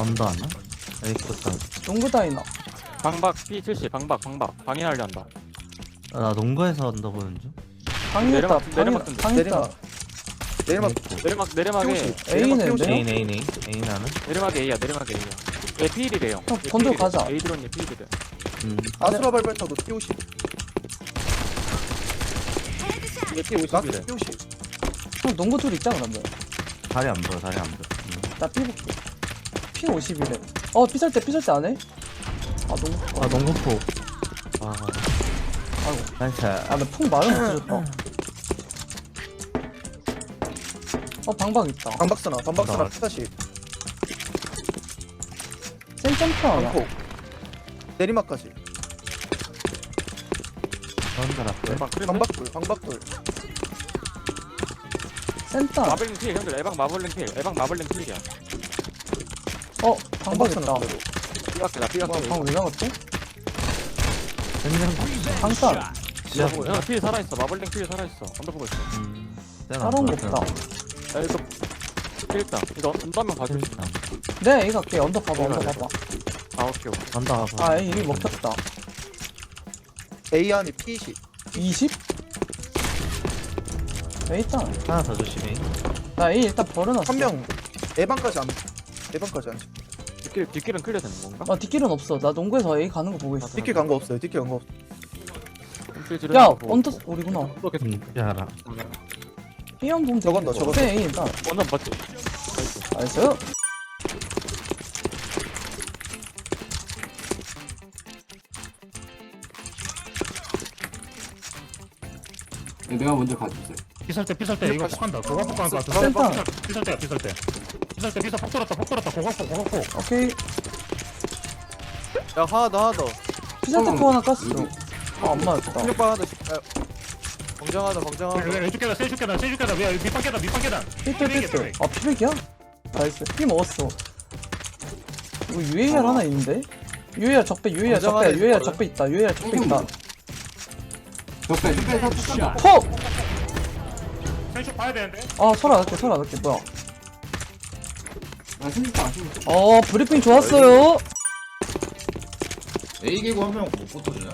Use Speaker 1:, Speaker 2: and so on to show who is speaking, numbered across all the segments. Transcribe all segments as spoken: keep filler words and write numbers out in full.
Speaker 1: 언더 하나? 에이코스.
Speaker 2: 농구 다이나.
Speaker 3: 방박 피 칠십 방박 방박 방해하려 한다.
Speaker 1: 아, 나 농구에서 언더 보는 중.
Speaker 2: 방이었다.
Speaker 3: 내려막,
Speaker 2: 방이
Speaker 3: 내려막 뜬다.
Speaker 2: 방이었다.
Speaker 4: 내리막
Speaker 3: 내리막 내리막에
Speaker 2: A는
Speaker 4: 내리막
Speaker 2: 네?
Speaker 1: 에인 에인 에인 에인 하나?
Speaker 3: 내리막에 A야 내리막에 A야. 얘 피일이래요.
Speaker 2: 형, 건조 가자.
Speaker 3: A 드론 얘 피일이래.
Speaker 1: 음.
Speaker 4: 아수라 발발타도 피 오십
Speaker 3: 얘 피 오십이래.
Speaker 4: 나스 피 오십
Speaker 2: 형 농구 둘 있잖아 그러면.
Speaker 1: 다리 안 보여 다리 안 보여. 음.
Speaker 2: 나 삐 볼게. 피 오십이래. 어 삐설 때 삐설 때 안 해? 아 농구.
Speaker 1: 아 농구포. 아
Speaker 2: 아이고.
Speaker 1: 나이스.
Speaker 2: 아나풍 말은 못 해줬다. 어 방박 있다.
Speaker 4: 방박스나 방박스나
Speaker 1: 나-
Speaker 4: 피 사십
Speaker 2: 센 점프 하나.
Speaker 4: 방폭 내리막까지
Speaker 1: 언더 라플.
Speaker 3: 대박 그래.
Speaker 4: 방박돌 방박돌
Speaker 2: 센터.
Speaker 3: 마블링 필 형들 에방 마블링 필 에방 마블링 필이야.
Speaker 2: 어 방박 있다.
Speaker 4: 방박스나
Speaker 3: 삐각대 나 삐각대.
Speaker 2: 와 방왜 나갔지?
Speaker 1: 센장.
Speaker 2: 방탄.
Speaker 1: 지하
Speaker 3: 형, 형, 필 살아있어. 마블링 필 살아있어. 언더 보고 있어.
Speaker 1: 음. 센
Speaker 2: 다른 거
Speaker 1: 언더,
Speaker 2: 없다.
Speaker 3: 야 이거 필 있다. 이거 언더 한명 봐줄 수 있나?
Speaker 2: 네 A 갈게. 언더 봐봐 언더
Speaker 3: 내가
Speaker 2: 봐봐.
Speaker 3: 아 오케이 오케이.
Speaker 1: 언더 가봐.
Speaker 2: 아 A 이미 먹혔다.
Speaker 4: A 안에 피 이십
Speaker 2: 이십? A 일단
Speaker 1: 하나 더 조심해.
Speaker 2: 나 A 일단 버려놨어.
Speaker 4: 한명 에방까지 안 에방까지 안
Speaker 3: 뒷길 뒷길은 클리어 되는 건가?
Speaker 2: 나 뒷길은 없어. 나 농구에서 A 가는 거 보고 있어.
Speaker 4: 뒷길 간 거 없어요 뒷길 간 거 없어
Speaker 3: 필 지르는
Speaker 2: 야
Speaker 3: 거 보고.
Speaker 2: 언더 우리구나.
Speaker 3: 또 계속
Speaker 1: 음. 알아.
Speaker 2: A 한 보면
Speaker 4: 저건 너, 저건 너.
Speaker 2: 네 A 일단.
Speaker 3: 완전 맞지? 나이스.
Speaker 2: 나이스.
Speaker 5: 내가 먼저 가주세요.
Speaker 6: 피설 때 피설 때 이거 폭한다. 고각 폭한 거 같아.
Speaker 2: 센터.
Speaker 6: 피설 때야 피설 때. 피설 때 피설 폭 돌았다 폭 돌았다 고각 폭 고각 폭.
Speaker 2: 오케이.
Speaker 4: 야 하나 더 하나 더
Speaker 2: 피자테코 하나 깠어. 아, 안 맞았다.
Speaker 4: 충격파 하나 더 야, 방장하다 방장하다
Speaker 6: 왼쪽 계단 세쪽 계단 세쪽 계단 왜 밑방 계단 밑방 계단.
Speaker 2: 삐뚤 삐뚤. 아, 피백이야? 나이스. 피 먹었어. 이거 유에이알 하나 있는데? 유에이알 적배, 유에이알 적배,
Speaker 4: 건장하네,
Speaker 2: 유에이알
Speaker 4: 이거를.
Speaker 2: 적배 있다. 유에이알 적배 있다.
Speaker 5: 적배, 적배 서 툭간다.
Speaker 2: 퍽!
Speaker 6: 세쪽 봐야 되는데.
Speaker 2: 아, 설아 넣게, 설아 넣게. 뭐야.
Speaker 5: 아, 신입다, 신입다.
Speaker 2: 어, 브리핑 좋았어요.
Speaker 7: A 개구 한 명 못 붙어주냐?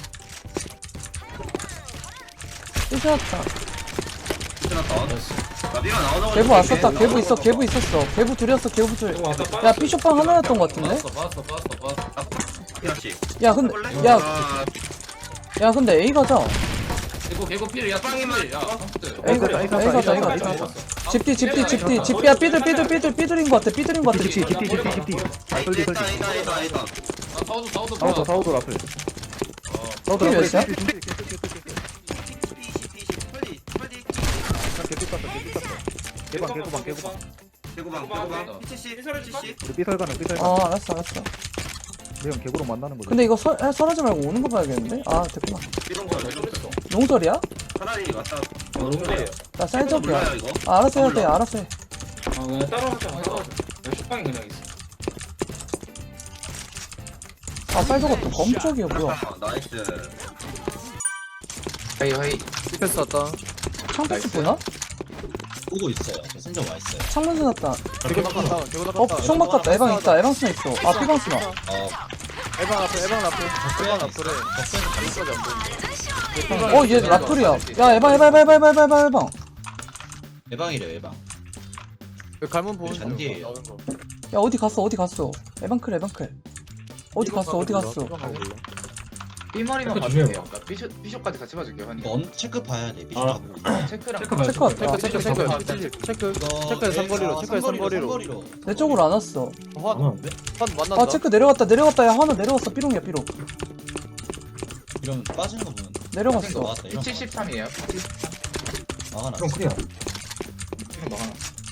Speaker 2: 삐졌다.
Speaker 7: 끝났다. 나 B가 나오자마자
Speaker 2: 개부 왔었다. 개부 있어, 개부 있었어. 개부 둘이었어, 개부 둘. 야, 삐쇼빵 하나였던 것 같은데?
Speaker 7: 봤어 봤어 봤어 봤어. 피라치.
Speaker 2: 야, 근데, 야,
Speaker 7: 아,
Speaker 2: 야, 근데 A 가자.
Speaker 7: 개구 개구 필. 야 빵이면 야 컴퓨터.
Speaker 2: A 가자, A 가자, A 가자. 집디, 집디, 집디, 집디야, 삐들, 삐들, 삐들, 삐들인 것 같아, 삐들인 것 같아.
Speaker 4: 집디 집디 집디 집디 설디
Speaker 7: 이다
Speaker 4: 설디
Speaker 7: 이다 이다 이다. 아 사우도 사우도
Speaker 4: 사우더 사우더 앞에
Speaker 7: 어.
Speaker 4: 사우더
Speaker 2: 몇
Speaker 4: 앞에
Speaker 2: 시야?
Speaker 4: 개피 깠어 개피 깠어 개방 개구방 개구방
Speaker 7: 개구방 개구방. 피치씨 피치씨.
Speaker 4: 우리 삐설 가는 삐설
Speaker 2: 어,
Speaker 4: 가는
Speaker 2: 알았어, 알았어.
Speaker 4: 내형 개구로 만나는 거지
Speaker 2: 근데 이거 설, 아, 설하지 말고 오는 거 봐야겠는데? 아, 됐구나.
Speaker 7: 이런 거 이런 거.
Speaker 2: 농설이야?
Speaker 7: 차라리 왔다. 어 농구예요.
Speaker 2: 나 쌀적이야.
Speaker 7: 몰라요 이거.
Speaker 2: 아, 알았어 해야 돼, 알았어 해.
Speaker 5: 아, 그냥 따라가자, 따라가자. 식빵이 그냥 있어.
Speaker 2: 아, 쌀적아 또 검쪽이야, 뭐야.
Speaker 7: 아, 나이스.
Speaker 5: 헤이, 헤이.
Speaker 4: 디펜스 왔다
Speaker 2: 창패스 보나?
Speaker 8: 오고 있어요. 저 순정 와 있어요.
Speaker 2: 창문수 났다.
Speaker 4: 개구 나갔다 개구
Speaker 2: 어,
Speaker 4: 나갔다
Speaker 2: 총 바꿨다. 에방 있다, 에방 스나 있어. 아, 피방 스나.
Speaker 8: 어,
Speaker 4: 에방 앞에 에방 앞에 에방 앞에
Speaker 8: 적배는 가는
Speaker 2: 어, 얘 라플이야. 야, 에방, 에방, 에방, 에방, 에방, 에방, 에방.
Speaker 8: 예방이래요, 예방.
Speaker 4: 갈문 보는
Speaker 8: 잔디예요.
Speaker 4: 나오는 거
Speaker 2: 야, 어디 갔어, 어디 갔어. 에방클, 에방클. 어디 갔어, 어디 갔어.
Speaker 5: 삐머리만 봐주세요. 그러니까 삐숍, 삐숍까지 같이 봐줄게요, honey.
Speaker 8: 이거 언 체크 봐야 돼. 미션
Speaker 5: 아.
Speaker 8: 가고.
Speaker 5: 체크랑.
Speaker 2: 체크 왔다.
Speaker 4: 체크 체크 체크 체크
Speaker 8: 이거
Speaker 4: 체크해 삼거리로 체크해 삼거리로
Speaker 8: 삼거리로.
Speaker 2: 내 쪽으로 안 왔어.
Speaker 4: 환, 환 만난다
Speaker 2: 아, 체크 내려갔다, 내려갔다. 야, 하나 내려갔어. 삐롱이야, 삐롱.
Speaker 8: 이러면 빠지는 거 보면.
Speaker 2: 내려갔어.
Speaker 8: 나왔다. 이런 거.
Speaker 5: 칠십삼이에요.
Speaker 8: 막아놨어.
Speaker 5: 그럼 클리어. 이거 막아놔.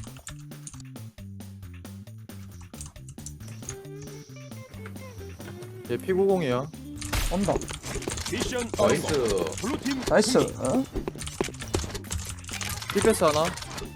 Speaker 4: 얘 피구공이야
Speaker 2: 온다.
Speaker 5: 나이스.
Speaker 2: 나이스. 어?
Speaker 4: 디펜스 하나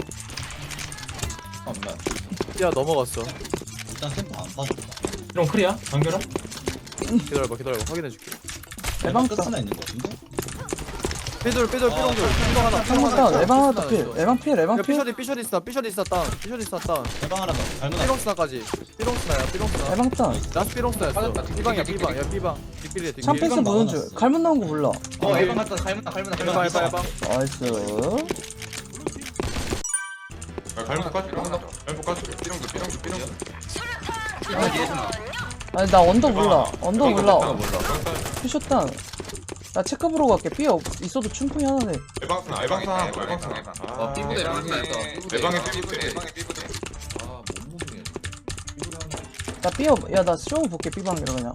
Speaker 8: 없나?
Speaker 4: 야 넘어갔어
Speaker 8: 일단 템포 안 빠졌다.
Speaker 5: 이런 클리어? 단결아?
Speaker 4: 기다려봐 기다려봐 확인해줄게
Speaker 2: 에방
Speaker 8: 끝
Speaker 2: 스나.
Speaker 8: 하나 있는 거 같은데?
Speaker 4: 삐돌 삐돌 삐롱돌 삐롱 하나
Speaker 2: 창문 다운 에방 하나 더 필. 에방 필 에방
Speaker 4: 야
Speaker 2: 필.
Speaker 4: 삐셔리 삐셔리 있어 삐셔리 있어 다운 삐셔리 있어 다운
Speaker 8: 대방 하나 더. 발문
Speaker 4: 삐롱 스나까지 삐롱 스나야 삐롱 스나
Speaker 2: 에방 다운.
Speaker 4: 라스 삐롱 스나였어 삐방이야 삐방 야 삐방 뒷길이야 뒷길
Speaker 2: 창패스
Speaker 8: 일반
Speaker 2: 보는
Speaker 8: 막아놨어.
Speaker 2: 줄. 갈문 나온 거 몰라.
Speaker 5: 어 에방 갔다 갈문다 갈문다
Speaker 4: 해봐
Speaker 5: 갈문다
Speaker 4: 해봐 해봐
Speaker 2: 나이스.
Speaker 6: 갈문 까지 갈문 까지 삐롱도 삐롱도 삐롱도
Speaker 2: 아니 나 언더 몰라. 언더 몰라.
Speaker 6: 몰라
Speaker 2: 피셔 다운. 나 체크 보러 갈게. 삐 없, 있어도 충분히 하나네.
Speaker 6: 에방스나 에방스나 에방스나
Speaker 5: 어 삐부대 삐부대
Speaker 6: 에방에 삐부대
Speaker 5: 아못 먹네
Speaker 2: 나 삐 없, 야나 쇼 볼게 삐방이라 그냥.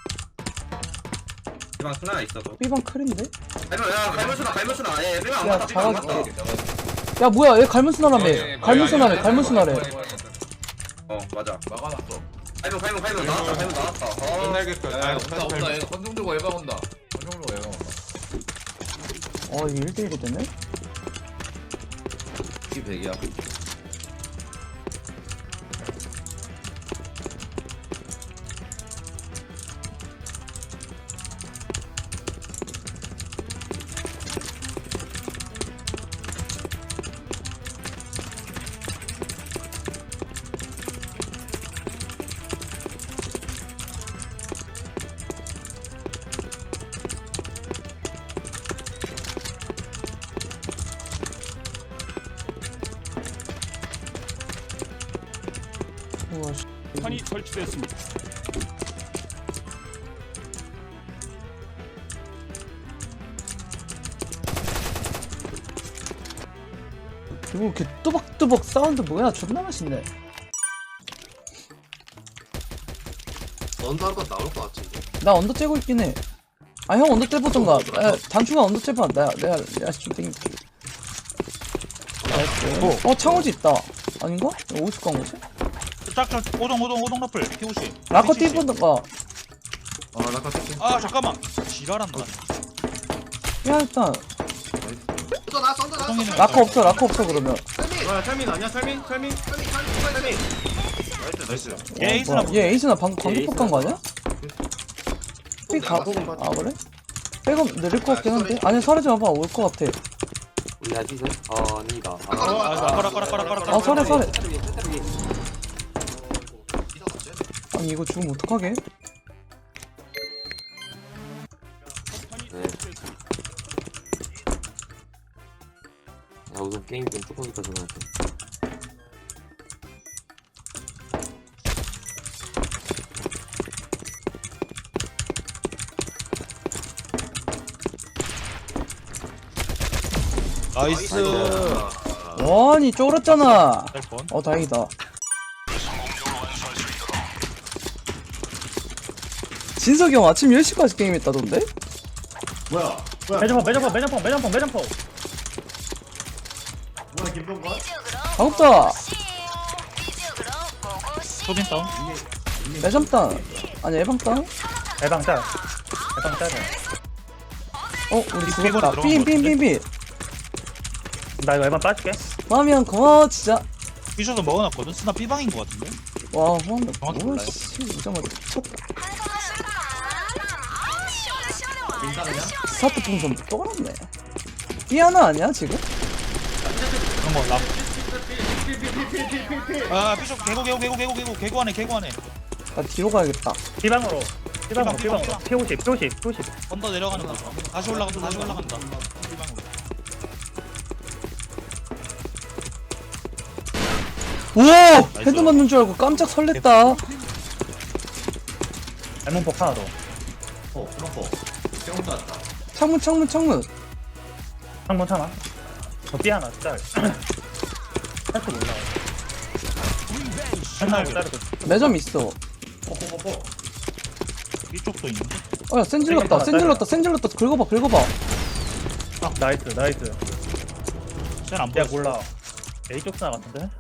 Speaker 7: 대방 스나 있어도.
Speaker 2: 삐방 클인데?
Speaker 7: 갈면 야 갈면 스나 갈면 스나. 예 대방 안
Speaker 2: 야,
Speaker 7: 맞다. 대방 안
Speaker 2: 잡아줄게.
Speaker 7: 맞다.
Speaker 2: 야 뭐야 얘 갈문 스나라며. 갈문 스나래 갈문 스나래.
Speaker 7: 어 맞아.
Speaker 5: 막아놨어
Speaker 7: 갈면 갈면 갈면 나왔다 갈면 나왔다. 어.
Speaker 6: 끝날겠다
Speaker 5: 야 온다 온다 얘 건정 들고 에방 온다 건정 들고 에방 온다
Speaker 2: 어 이게 일 대 일이 되네?
Speaker 5: 이게 백이야
Speaker 2: 우와 씨.
Speaker 6: 판이 설치됐습니다
Speaker 2: 이거 이렇게 뚜벅뚜벅 사운드 뭐야 존나 맛있네.
Speaker 9: 언더 한건 나올 것 같은데.
Speaker 2: 나 언더 째고 있긴 해. 아 형 언더 째보던가. 야 단추가 언더 째봐. 내가 내가 내가 좀 땡길게. 나이스. 어 창호지 있다. 아닌가? 이거 어디서 간 거지?
Speaker 6: 짝짝 오동 오동 오동 라플 피오시
Speaker 2: 라커 띠보던가.
Speaker 5: 아 나가 뜯게
Speaker 6: 아 잠깐만 지랄한다
Speaker 2: 야 일단
Speaker 9: 썬더 나 썬더 나 썬더.
Speaker 2: 라커 없어 라커 없어 그러면.
Speaker 7: 야 설민 아니야 설민 설민 설민. 나이스 나이스.
Speaker 6: 얘
Speaker 2: 어,
Speaker 6: 에이스나
Speaker 2: 뭐야, 얘 에이스나 방금 관계 폭간 거 아니야? 삐 가. 아 그래? 백업 느릴 것 같긴 한데. 아니 사라지 마봐 올 것 같아.
Speaker 9: 우리 아직은 어 아니다.
Speaker 6: 아까라까라까라까라
Speaker 2: 아 설해 설해. 아니 이거 죽으면 어떡하게?
Speaker 9: 야 우선 게임 좀 뚜껑이니까 전화할게.
Speaker 6: 나이스
Speaker 2: 아니 쫄았잖아.
Speaker 6: 번
Speaker 2: 어 다행이다. 진석이 형 아침 열 시까지 게임했다던데?
Speaker 3: 매점포 매점포 매점포 매점포 매점포
Speaker 2: 반갑다.
Speaker 6: 소빈 다운
Speaker 2: 매점땅. 아니 애방땅?
Speaker 3: 에방 짤 에방 짤
Speaker 2: 어 우리
Speaker 6: 이
Speaker 2: 죽었다.
Speaker 6: 삐거리 들어간 거
Speaker 2: 삐삐삐삐.
Speaker 3: 나 이거 에방 빠질게
Speaker 2: 마음이 형 고마워 진짜.
Speaker 6: 피셔도 먹어놨거든 스나 삐방인 거 같은데
Speaker 2: 와 호환다.
Speaker 6: 정확히 몰라요.
Speaker 2: 오씨 오자마자 미쳤다. 스타트 풍선 떠올랐네. 삐 하나 아니야 지금?
Speaker 6: 그런 거 랍. 아 피셔 개고 개고 개고 개고 개고 개고 안에 개고 안에
Speaker 2: 나 뒤로 가야겠다.
Speaker 3: B방으로 B방으로
Speaker 6: B방,
Speaker 3: B방으로 피오십 피오십 피오십
Speaker 6: 언더 내려가는 거 다시 올라간다 다시 올라간다 삐방으로
Speaker 2: 오! 헤드 맞는 줄 알고 깜짝 설렜다.
Speaker 3: 레몬폭 하나 더
Speaker 8: 어 그렇고. 세운 거 같다.
Speaker 2: 창문 창문 창문.
Speaker 3: 창문 참아 저 B 하나 짤 살짝 올라와 하나 자르고
Speaker 2: 매점 있어.
Speaker 8: 뽀뽀뽀뽀.
Speaker 6: 이쪽도 있는데
Speaker 2: 어야 센질렀다 센질렀다 센질렀다 긁어봐 긁어봐.
Speaker 3: 나이스 나이스
Speaker 6: 쟤는 안
Speaker 3: 야
Speaker 6: 보여
Speaker 3: 몰라 A쪽 스나 같은데?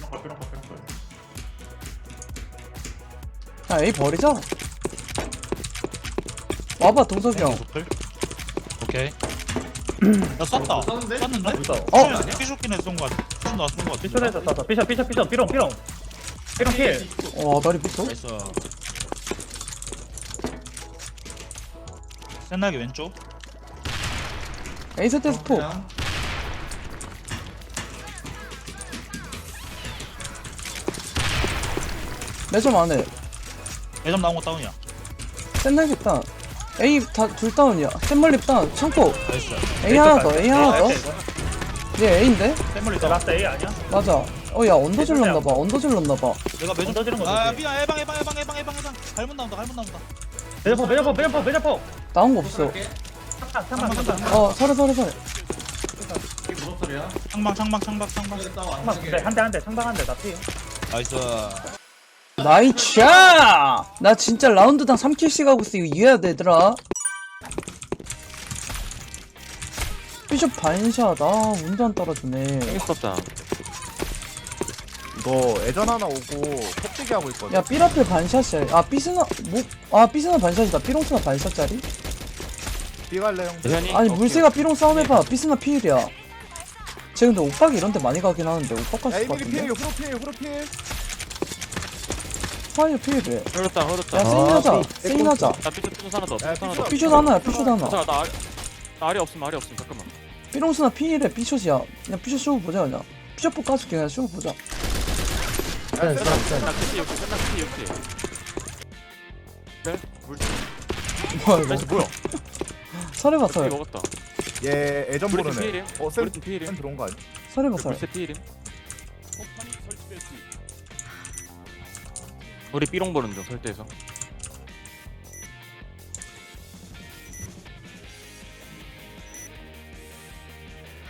Speaker 2: 야 A 버리자. 와봐 동석이 형.
Speaker 6: 오케이 야 쐈다 쐈는데?
Speaker 2: 어?
Speaker 6: 피쇼kin에 쏜거 같아 피쇼 나쏜거 같아
Speaker 3: 피쇼에서 쐈어 피셔 피셔 피셔 삐롱 삐롱 삐롱 필
Speaker 2: 와 다리 붙어?
Speaker 6: 나이스 센나게 왼쪽
Speaker 2: 에이셋에서 폭. 매점 안에.
Speaker 6: 매점 나온 거 다운이야.
Speaker 2: 센날립 다운. A 다 둘 다운이야. 센멀립 다운. 창고.
Speaker 6: 나이스.
Speaker 2: A 하나 더. A 하나 더. 얘 A인데?
Speaker 6: 샘물리
Speaker 3: 저
Speaker 6: 있다.
Speaker 3: 라스트 A 아니야?
Speaker 2: 맞아. 어, 야, 언더 질렀나봐. 언더 질렀나봐.
Speaker 6: 내가 매점
Speaker 3: 던지는 거
Speaker 6: 아
Speaker 3: 조심.
Speaker 6: 삐야 해방 해방 해방 해방 해방 해방. 갈문 나온다 갈문 나온다.
Speaker 3: 매점포 매점포 매점포 매점포.
Speaker 2: 나온 거 없어.
Speaker 3: 창만 창만 창만.
Speaker 2: 어, 서래, 서래, 서래.
Speaker 8: 이게 무슨 소리야?
Speaker 6: 창방 창방 창방 창방.
Speaker 3: 창만 네, 한대 한 대 창방 한 대. 나 피.
Speaker 6: 나이스.
Speaker 2: 나이스! 나 진짜 라운드당 삼 킬씩 하고 있어. 이거 이해해야 돼, 얘들아. 비숍 반샷. 아, 운도 안 따라주네.
Speaker 9: 땡스톱다.
Speaker 4: 이거 애전 하나 오고 폭대기 하고 있거든.
Speaker 2: 야, 삐라필 반샷이야. 아, 삐스나, 뭐, 아, 삐스나 반샷이다. 삐롱스나 반샷짜리?
Speaker 4: 삐갈래 형.
Speaker 9: 대현이.
Speaker 2: 아니, 물새가 삐롱 싸움 해봐. 삐스나 피일이야. 쟤 근데 오빡이 이런 데 많이 가긴 하는데, 오빡
Speaker 4: 야
Speaker 2: 갔을 것
Speaker 4: 이미리 피해
Speaker 2: 같은데?
Speaker 4: 후로 피해 후로 피해.
Speaker 2: 파이어 피일이래.
Speaker 9: 흘렀다 흘렀다.
Speaker 2: 야, 세인하자. 세인하자.
Speaker 9: 나 삐뚤 삐뚤 하나 더.
Speaker 4: 야,
Speaker 9: 삐뚤 하나 더.
Speaker 2: 삐숏 하나야, 삐숏 하나.
Speaker 9: 잠깐 나 아리 나 아리 없음 아리 없음 잠깐만.
Speaker 2: 삐롱스나 피일에 삐숏이야. 그냥 삐숏 쇼우 보자, 그냥. 삐숏 뽑 까줄게, 그냥 쇼우 보자.
Speaker 9: 나 끝이 역시 끝나 끝이 역시. 네? 물
Speaker 2: 뭐야, 이거.
Speaker 9: 나이스 뭐야?
Speaker 2: 설해봐,
Speaker 9: 피
Speaker 2: 설.
Speaker 9: 먹었다.
Speaker 4: 얘 애전
Speaker 9: 브리튼
Speaker 4: 보르네.
Speaker 9: 피일임.
Speaker 4: 어 쌤.
Speaker 9: 브리튼 피일임.
Speaker 4: 쌤 들어온 거 아니야?
Speaker 2: 설해봐, 설.
Speaker 9: 불새 피일임. 우리 삐롱 보는 중 설대에서.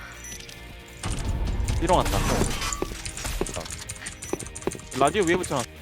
Speaker 9: 삐롱 왔다. 라디오 위에 붙여놨.